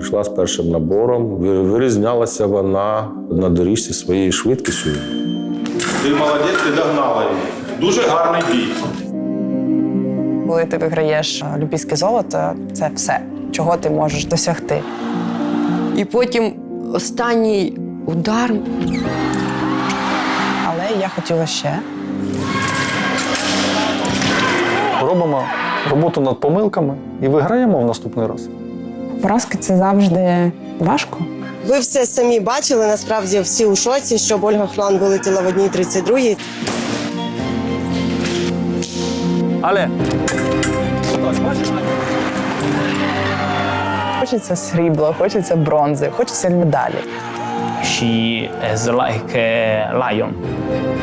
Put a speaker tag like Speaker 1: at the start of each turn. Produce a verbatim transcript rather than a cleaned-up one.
Speaker 1: прийшла з першим набором. Ви- Вирізнялася вона на доріжці своєю швидкістю. Ти молодець, ти догнала її. Дуже гарний бій.
Speaker 2: Коли ти виграєш олімпійське золото, це все, чого ти можеш досягти.
Speaker 3: І потім останній удар.
Speaker 2: Але я хотіла ще.
Speaker 4: Робимо роботу над помилками і виграємо в наступний раз.
Speaker 2: Поразки – це завжди важко.
Speaker 5: Ви все самі бачили, насправді всі у шоці, щоб Ольга Хлан вилетіла в одній тридцять другій.
Speaker 4: Але
Speaker 2: Хочеться срібла, хочеться бронзи, хочеться медалі.
Speaker 6: She is like a lion.